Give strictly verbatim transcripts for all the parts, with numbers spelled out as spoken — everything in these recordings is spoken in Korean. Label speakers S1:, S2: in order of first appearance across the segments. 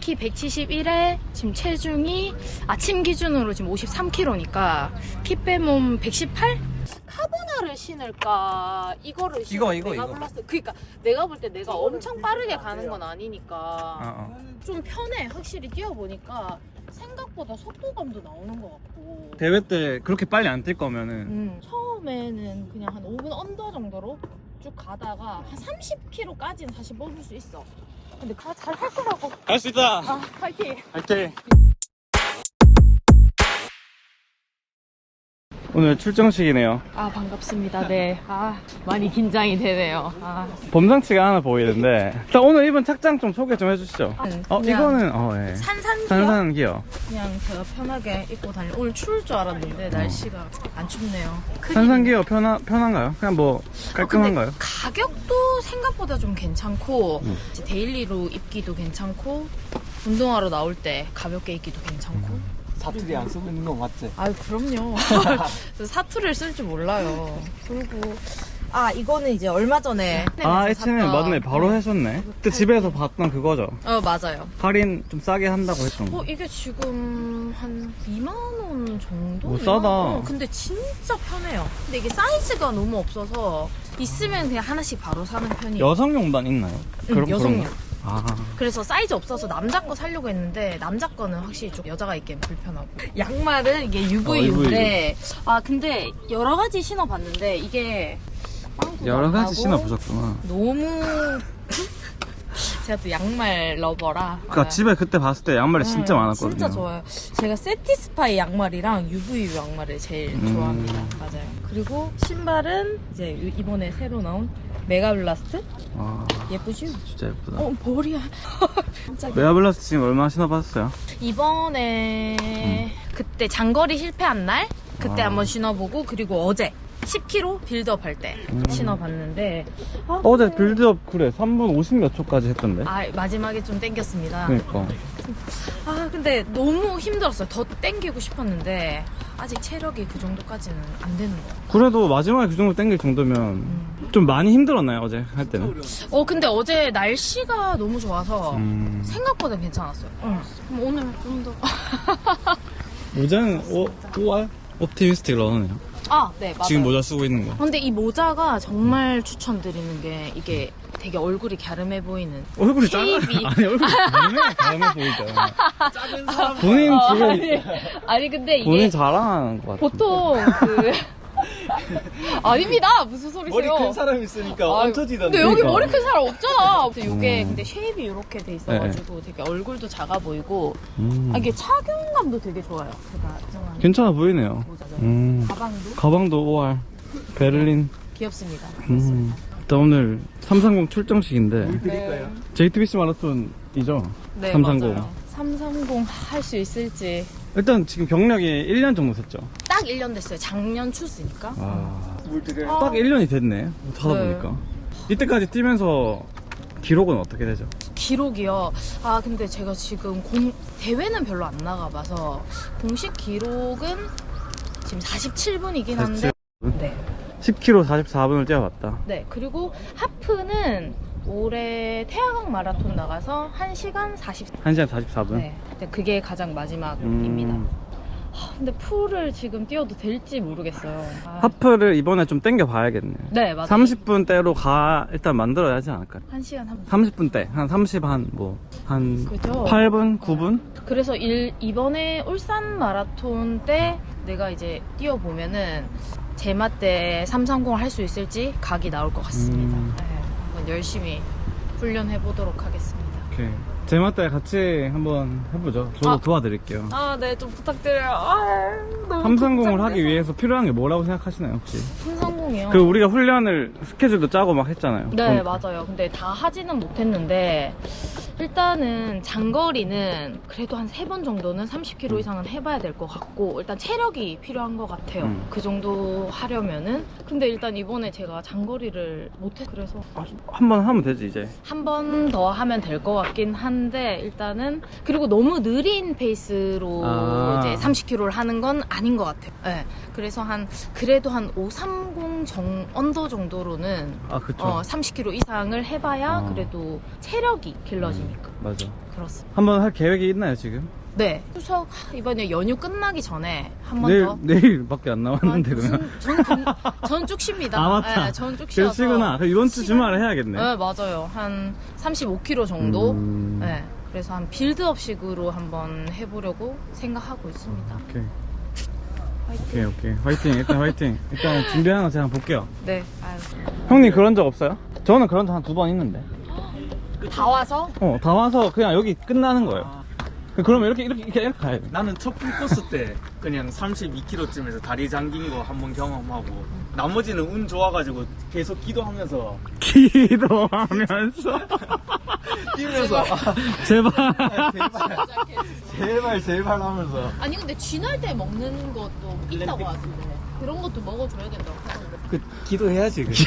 S1: 키 백칠십일에 지금 체중이 아침 기준으로 지금 오십삼 킬로그램이니까 키 빼면 백십팔? 카보나를 신을까 이거를 신을까?
S2: 이거, 이거,
S1: 내가
S2: 이거.
S1: 몰랐어. 그러니까 내가 볼 때 내가 엄청 빠르게 가는 건 아니니까
S2: 어, 어.
S1: 좀 편해. 확실히 뛰어보니까 생각보다 속도감도 나오는 것 같고.
S2: 대회 때 그렇게 빨리 안 뛸 거면은
S1: 음, 처음에는 그냥 한 오 분 언더 정도로 쭉 가다가 한 삼십 킬로그램까지는 사실 뽑을 수 있어. 근데 가 잘 할 거라고.
S2: 할 수 있다.
S1: 아, 파이팅.
S2: 화이팅. 오늘 출정식이네요.
S1: 아, 반갑습니다. 네. 아, 많이 긴장이 되네요. 아.
S2: 범상치가 않아 보이는데 일단 오늘 입은 착장 좀 소개 좀 해주시죠.
S1: 음,
S2: 어
S1: 그냥
S2: 이거는 어 예.
S1: 산산기요?
S2: 산산 기어.
S1: 그냥 제가 편하게 입고 다니. 오늘 추울 줄 알았는데 날씨가 안 춥네요. 크기는-
S2: 산산 기어 편하 편한가요? 그냥 뭐
S1: 어,
S2: 깔끔한가요?
S1: 근데 가격도 생각보다 좀 괜찮고
S2: 음.
S1: 이제 데일리로 입기도 괜찮고 운동하러 나올 때 가볍게 입기도 괜찮고.
S2: 음.
S3: 사투리 안 쓰고 있는 거 맞지?
S1: 아유, 그럼요. 저 사투리를 쓸 줄 몰라요. 그리고 아, 이거는 이제 얼마 전에
S2: 아 에치는 맞네. 바로 하셨네. 그때 집에서 봤던 그거죠.
S1: 어, 맞아요.
S2: 할인 좀 싸게 한다고 했던 거.
S1: 어, 이게 지금 한 이만 원 정도?
S2: 오, 싸다.
S1: 어, 근데 진짜 편해요. 근데 이게 사이즈가 너무 없어서 있으면 그냥 하나씩 바로 사는 편이에요.
S2: 여성용단 있나요?
S1: 응, 여성용.
S2: 거? 아
S1: 그래서 사이즈 없어서 남자 거 사려고 했는데 남자 거는 확실히 좀 여자가 입기엔 불편하고. 양말은 이게 유브이유인데 아, 근데 여러 가지 신어봤는데 이게 빵꾸가
S2: 여러
S1: 안
S2: 가지
S1: 나고
S2: 신어보셨구나.
S1: 너무 제가 또 양말 러버라.
S2: 그니까
S1: 아,
S2: 집에 그때 봤을 때 양말이 진짜
S1: 음,
S2: 많았거든요.
S1: 진짜 좋아요. 제가 세티스파이 양말이랑 유브이유 양말을 제일
S2: 음.
S1: 좋아합니다. 맞아요. 그리고 신발은 이제 이번에 새로 나온 메가블라스트.
S2: 와
S1: 예쁘죠?
S2: 진짜 예쁘다.
S1: 어, 머리야. 진짜.
S2: 메가블라스트 지금 얼마나 신어봤어요?
S1: 이번에 그때 장거리 실패한 날 그때
S2: 아.
S1: 한번 신어보고, 그리고 어제 십 킬로그램 빌드업 할 때
S2: 음.
S1: 신어봤는데 아,
S2: 어제
S1: 근데-
S2: 빌드업 그래 삼 분 오십 몇 초까지 했던데.
S1: 아, 마지막에 좀 땡겼습니다.
S2: 그니까
S1: 아, 근데 너무 힘들었어요. 더 땡기고 싶었는데 아직 체력이 그 정도까지는 안 되는 거예요.
S2: 그래도 마지막에 그 정도 땡길 정도면
S1: 음.
S2: 좀 많이 힘들었나요 어제 할 때는?
S1: 어, 근데 어제 날씨가 너무 좋아서
S2: 음.
S1: 생각보다 괜찮았어요. 응. 그럼 오늘 좀 더.
S2: 모자는 오, 오알? 옵티미스틱 러너네요.
S1: 아, 네, 맞아요.
S2: 지금 모자 쓰고 있는 거.
S1: 근데 이 모자가 정말 추천드리는 게 이게 되게 얼굴이 갸름해 보이는.
S2: 얼굴이 작아.
S1: 쉐입이.
S2: 아니 얼굴이 작네. 작아 보이잖아.
S3: 작은 사람
S2: 본인 지금
S1: 아니, 아니 근데 이게
S2: 본인 자랑하는 것 같아.
S1: 보통 그 아닙니다. 무슨 소리세요?
S3: 머리 큰 사람 있으니까
S1: 아유,
S3: 얹혀지던데.
S1: 근데 여기
S2: 그러니까.
S1: 머리 큰 사람 없잖아. 근데 이게
S2: 음.
S1: 근데 쉐입이 이렇게 돼 있어가지고 되게 얼굴도 작아 보이고,
S2: 음.
S1: 아, 이게 착용감도 되게 좋아요. 제가 정한
S2: 괜찮아 보이네요.
S1: 모자죠.
S2: 음.
S1: 가방도
S2: 가방도 오알. 베를린.
S1: 귀엽습니다.
S2: 음. 일단 오늘 삼삼공 출정식인데
S3: 드릴까요?
S2: 제이티비씨 마라톤이죠?
S1: 네,
S2: 삼삼공.
S1: 맞아요. 삼삼공 할 수 있을지.
S2: 일단 지금 경력이 일 년 정도 됐죠?
S1: 딱 일 년 됐어요. 작년 추스니까.
S2: 아.
S3: 물 드려요?
S1: 아.
S2: 딱 일 년이 됐네. 하다
S1: 네.
S2: 보니까. 이때까지 뛰면서 기록은 어떻게 되죠?
S1: 기록이요. 아, 근데 제가 지금 공, 대회는 별로 안 나가봐서 공식 기록은 지금 사십칠 분이긴 한데. 네.
S2: 십 킬로미터 사십사 분을 뛰어봤다.
S1: 네. 그리고 하프는 올해 태화강 마라톤 나가서 한 시간 사십.
S2: 한 시간 사십사 분?
S1: 네. 근데 그게 가장 마지막입니다.
S2: 음.
S1: 하, 근데 풀을 지금 뛰어도 될지 모르겠어요. 아,
S2: 하프를 이번에 좀 땡겨 봐야겠네.
S1: 네, 맞아요.
S2: 삼십 분대로 가, 일단 만들어야 하지 않을까요?
S1: 한 시간 한 분.
S2: 삼십 분대. 한 삼십, 한 뭐, 한
S1: 그죠?
S2: 팔 분, 구 분?
S1: 그래서 일, 이번에 울산 마라톤 때 내가 이제 뛰어보면은 제마 때 삼삼공 할 수 있을지 각이 나올 것 같습니다.
S2: 음.
S1: 네, 한번 열심히 훈련해 보도록 하겠습니다.
S2: 오케이. 제마 때 같이 한번 해보죠. 저도
S1: 아.
S2: 도와드릴게요.
S1: 아, 네, 좀 부탁드려요. 아, 너무
S2: 삼삼공을
S1: 걱정돼서.
S2: 하기 위해서 필요한 게 뭐라고 생각하시나요, 혹시?
S1: 삼삼공이요?
S2: 그 우리가 훈련을 스케줄도 짜고 막 했잖아요.
S1: 네,
S2: 보니까.
S1: 맞아요. 근데 다 하지는 못했는데 일단은 장거리는 그래도 한 세 번 정도는 삼십 킬로미터 이상은 해봐야 될 것 같고, 일단 체력이 필요한 것 같아요.
S2: 음.
S1: 그 정도 하려면은. 근데 일단 이번에 제가 장거리를 못해 그래서
S2: 한 번 하면 되지, 이제.
S1: 한 번 더 하면 될 것 같긴 한데, 일단은 그리고 너무 느린 페이스로
S2: 아.
S1: 이제 삼십 킬로미터를 하는 건 아닌 것 같아요. 네. 그래서 한 그래도 한 오삼공 보통 정 언더 정도로는
S2: 아, 그쵸.
S1: 어, 삼십 킬로미터 이상을 해봐야
S2: 어.
S1: 그래도 체력이 길러지니까.
S2: 맞아.
S1: 그렇습니다.
S2: 한번 할 계획이 있나요, 지금?
S1: 네. 추석 하, 이번에 연휴 끝나기 전에 한 번
S2: 내일,
S1: 더.
S2: 내일밖에 안 남았는데,
S1: 아,
S2: 그러면.
S1: 무슨- 전, 근- 전 쭉 쉽니다.
S2: 아, 맞다.
S1: 네, 전쭉 쉬어서.
S2: 그러시구나. 그럼 이번 주
S1: 시간-
S2: 주말에 해야겠네.
S1: 네, 맞아요. 한 삼십오 킬로미터 정도.
S2: 음.
S1: 네. 그래서 한 빌드업식으로 한번 해보려고 생각하고 있습니다.
S2: 오케이.
S1: 화이팅.
S2: 오케이, 오케이. 화이팅. 일단 화이팅. 일단 준비하는 거 제가 한번 볼게요.
S1: 네. 아유.
S2: 형님 그런 적 없어요? 저는 그런 적 한 두 번 있는데.
S1: 다 와서
S2: 어, 다 와서 그냥 여기 끝나는 거예요. 그러면 이렇게, 이렇게, 이렇게, 이렇게 가야 돼.
S3: 나는 첫 풀코스 때 그냥 삼십이 킬로미터쯤에서 다리 잠긴 거 한번 경험하고 나머지는 운 좋아가지고 계속 기도하면서
S2: 기도하면서.
S3: 뛰면서 아,
S2: 제발.
S3: 제발 제발 제발 하면서
S1: 아니 근데 쥐날 때 먹는 것도 있다고 하던데 그런 것도 먹어줘야 된다고 하던데.
S3: 그 기도해야지 그.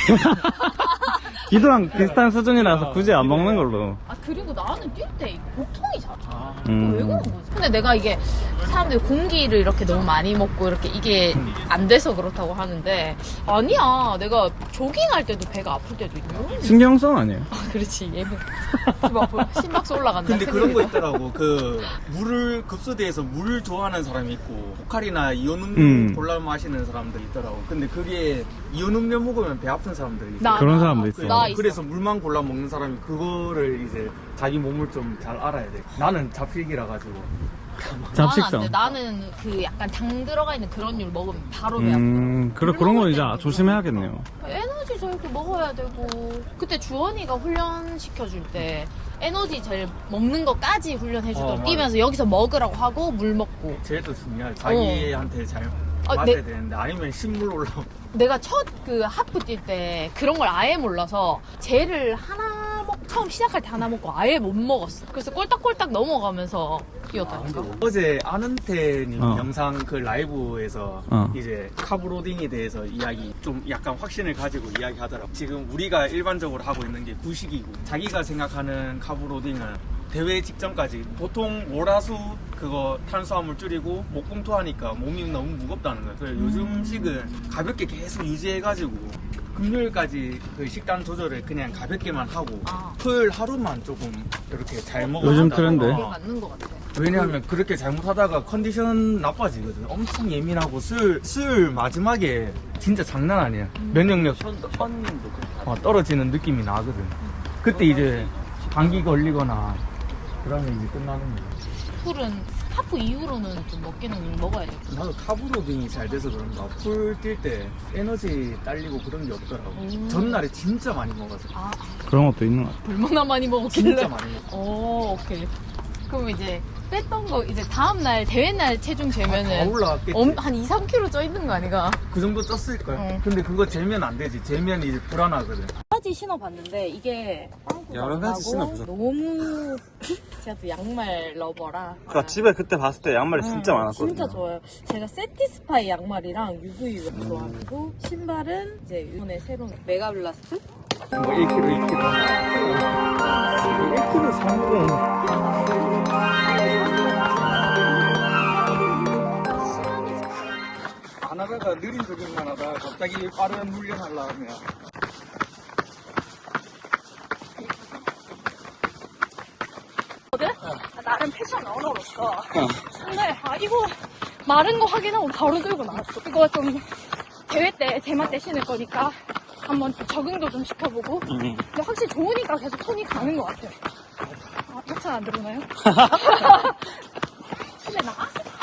S2: 기도랑 비슷한 수준이라서 굳이 안 먹는 걸로.
S1: 아 그리고 나는 뛸 때 복통이 잘.
S3: 아,
S2: 음.
S1: 왜 그런 거지? 근데 내가 이게 사람들이 공기를 이렇게 너무 많이 먹고 이렇게 이게 안 돼서 그렇다고 하는데 아니야. 내가 조깅할 때도 배가 아플 때도 있고.
S2: 신경성 아니에요?
S1: 아 그렇지 얘는 심박수 올라간다.
S3: 근데 그런 거
S1: 큰일이다.
S3: 있더라고. 그 물을 급수대에서 물 좋아하는 사람이 있고 포칼이나 이온 음료
S2: 음.
S3: 골라 마시는 사람들이 있더라고. 근데 그게 이온 음료 먹으면 배 아픈 사람들이 있어.
S1: 나,
S2: 그런
S1: 나,
S2: 사람도
S1: 나,
S2: 있어요.
S1: 나 있어.
S3: 그래서 물만 골라 먹는 사람이 그거를 이제 자기 몸을 좀 잘 알아야 돼. 나는 잡식이라 가지고.
S2: 잡식성.
S1: 나는 안 돼. 나는 그 약간 당 들어가 있는 그런 류 먹으면 바로 배 아프고.
S2: 음, 그래, 그런 거 이제 조심해야겠네요.
S1: 에너지 저렇게 먹어야 되고. 그때 주원이가 훈련 시켜줄 때 에너지 젤 먹는 거까지 훈련해주더라고.
S3: 어, 맞아.
S1: 뛰면서 여기서 먹으라고 하고 물 먹고.
S3: 제일 더 중요할 자기한테 잘
S1: 아,
S3: 맞아야
S1: 네.
S3: 되는데 아니면 식물 올라오고.
S1: 내가 첫 그 하프 뛸 때 그런 걸 아예 몰라서 젤을 하나 먹, 처음 시작할 때 하나 먹고 아예 못 먹었어. 그래서 꼴딱꼴딱 넘어가면서 뛰었다니까.
S3: 어제 아는테님
S2: 어.
S3: 영상 그 라이브에서
S2: 어.
S3: 이제 카브로딩에 대해서 이야기 좀 약간 확신을 가지고 이야기하더라고. 지금 우리가 일반적으로 하고 있는 게 구식이고 자기가 생각하는 카브로딩은 대회 직전까지 보통 월화수 그거 탄수화물 줄이고 목공투 하니까 몸이 너무 무겁다는 거예요. 그래서 요즘식은 가볍게 계속 유지해가지고 금요일까지 그 식단 조절을 그냥 가볍게만 하고
S1: 아.
S3: 토요일 하루만 조금 이렇게 잘 먹어.
S2: 요즘 트렌드.
S1: 그게 맞는 것 같아.
S3: 왜냐하면 그렇게 잘못하다가 컨디션 나빠지거든. 엄청 예민하고 수요일, 수요일 마지막에 진짜 장난 아니야. 면역력 어, 떨어지는 느낌이 나거든. 그때 이제 감기 걸리거나 그러면 이제 끝나는 거야.
S1: 풀은 하프 이후로는 좀 먹기는 먹어야 돼.
S3: 나도 카브로딩이 잘 돼서 그런가 풀 뛸 때 에너지 딸리고 그런 게 없더라고.
S1: 음.
S3: 전날에 진짜 많이 먹어서.
S1: 아,
S2: 그런 것도 있는 것 같아요.
S1: 얼마나 많이 먹었길래.
S3: 진짜 많이 먹어.
S1: 오, 오케이. 그럼 이제 뺐던 거 이제 다음날 대회날 체중 재면은
S3: 다 올라왔겠지.
S1: 엄- 한 이, 삼 킬로그램 쪄 있는 거 아니가?
S3: 그 정도 쪘을걸.
S1: 응.
S3: 근데 그거 재면 안 되지. 재면 이제 불안하거든.
S1: 여러 가지 신어봤는데 이게
S2: 여러 가지 신어보셨어요?
S1: 너무 제가 또 양말 러버라.
S2: 그러니까 집에 그때 봤을 때 양말이
S1: 응,
S2: 진짜 많았거든요.
S1: 진짜 좋아요. 제가 세티스파이 양말이랑 유브이 좋아하고 신발은 이제 이번에 새로운 메가블라스트?
S3: 뭐 일 킬로그램, 이 킬로그램. 일 킬로그램 삼 안 하다가 느린 조깅만 하다가 갑자기 빠른 훈련하려 하면
S1: 아, 나름 패션 언어로서. 근데 아 이거 마른 거 확인하고 바로 들고 나왔어. 이거 좀 대회 때 제맛 때 신을 거니까 한번 적응도 좀 시켜보고. 근데 확실히 좋으니까 계속 손이 가는 것 같아요. 아, 협찬 안 들어오나요? 근데 나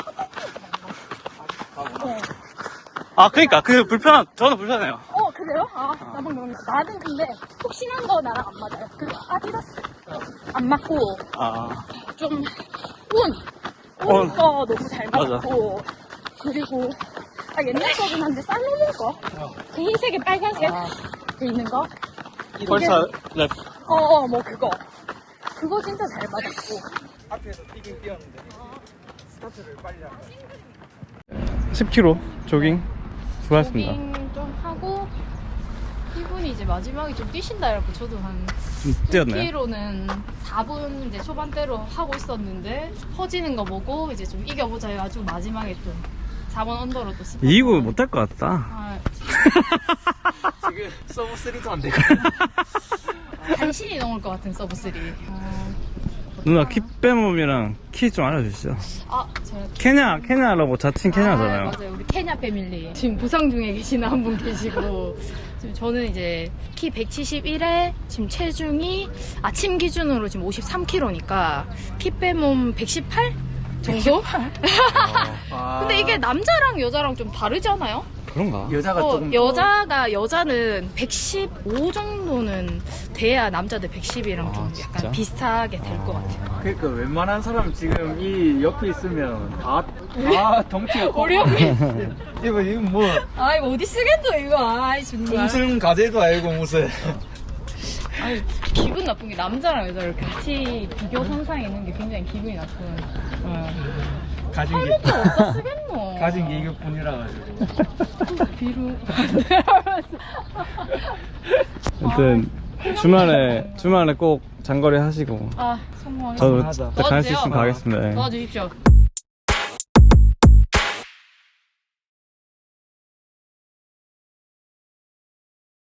S1: 어.
S2: 아, 그니까. 그 불편한, 저는 불편해요.
S1: 어 그래요? 아 나만 그런가? 나는 근데 푹신한 거 나랑 안 맞아요. 그 아디다스 안 맞고
S2: 아,
S1: 좀 운!
S2: 운.
S1: 운 거 너무 잘
S2: 맞아.
S1: 맞고 그리고 아, 옛날 거긴 한데 살로몬 거? 그 흰색에 빨간색 그 있는 거?
S2: 벌써 랩.
S1: 어어 뭐 그거 그거 진짜 잘 맞았고
S3: 앞에서 뛰긴 뛰었는데 스타트를 빨리 하고
S2: 십 킬로미터 조깅. 수고하셨습니다.
S1: 조깅 좀 하고 이분이 이제 마지막에 좀 뛰신다 이러고 저도 한
S2: 좀 뛰었나요?
S1: 이 킬로미터는 사 분 이제 초반대로 하고 있었는데 퍼지는 거 보고 이제 좀 이겨보자 해가지고 마지막에 좀 사 번 언더로 또 스파트.
S2: 이기고 못할 것 같다.
S1: 아,
S3: 지금 서브 쓰리도 안 되고.
S1: 간신히 넘을 것 같은 서브 쓰리. 아,
S2: 누나 키 빼몸이랑 키 좀 알려주시죠.
S1: 아 제가
S2: 케냐 케냐라고 자칭
S1: 아,
S2: 케냐잖아요.
S1: 맞아요. 우리 케냐 패밀리. 지금 부상 중에 계시는 한 분 계시고. 지금 저는 이제 키 백칠십일에 지금 체중이 아침 기준으로 지금 오십삼 킬로그램이니까 키 빼몸 백십팔 정도?
S3: 아,
S1: 근데 이게 남자랑 여자랑 좀 다르잖아요?
S2: 그런가?
S3: 여자가
S1: 어,
S3: 조금 더-
S1: 여자가 여자는 백십오 정도는 돼야 남자들 백십이랑 좀
S2: 아,
S1: 약간
S2: 진짜?
S1: 비슷하게 될 것 같아요.
S3: 그러니까 웬만한 사람 지금 이 옆에 있으면 다, 다 덩치가 커.
S1: 우리 형님.
S3: 이거, 이거 뭐,
S1: 아이 어디 쓰겠어 이거. 아이 정말.
S3: 무슨 가재도 알고 무슨.
S1: 아니 기분 나쁜 게 남자랑 여자를 같이 비교 선상에 있는 게 굉장히 기분이 나쁜. 어.
S3: 가진 게,
S1: 팔목도 어디다 쓰겠노.
S3: 가진 게 이것뿐이라 가지고.
S1: 비루.
S2: 아무튼 주말에 주말에 꼭 장거리 하시고
S1: 아 성공하겠습니다.
S2: 저도
S3: 하자.
S2: 갈 수 있으면
S1: 도와주세요.
S2: 가겠습니다. 예.
S1: 도와주십시오.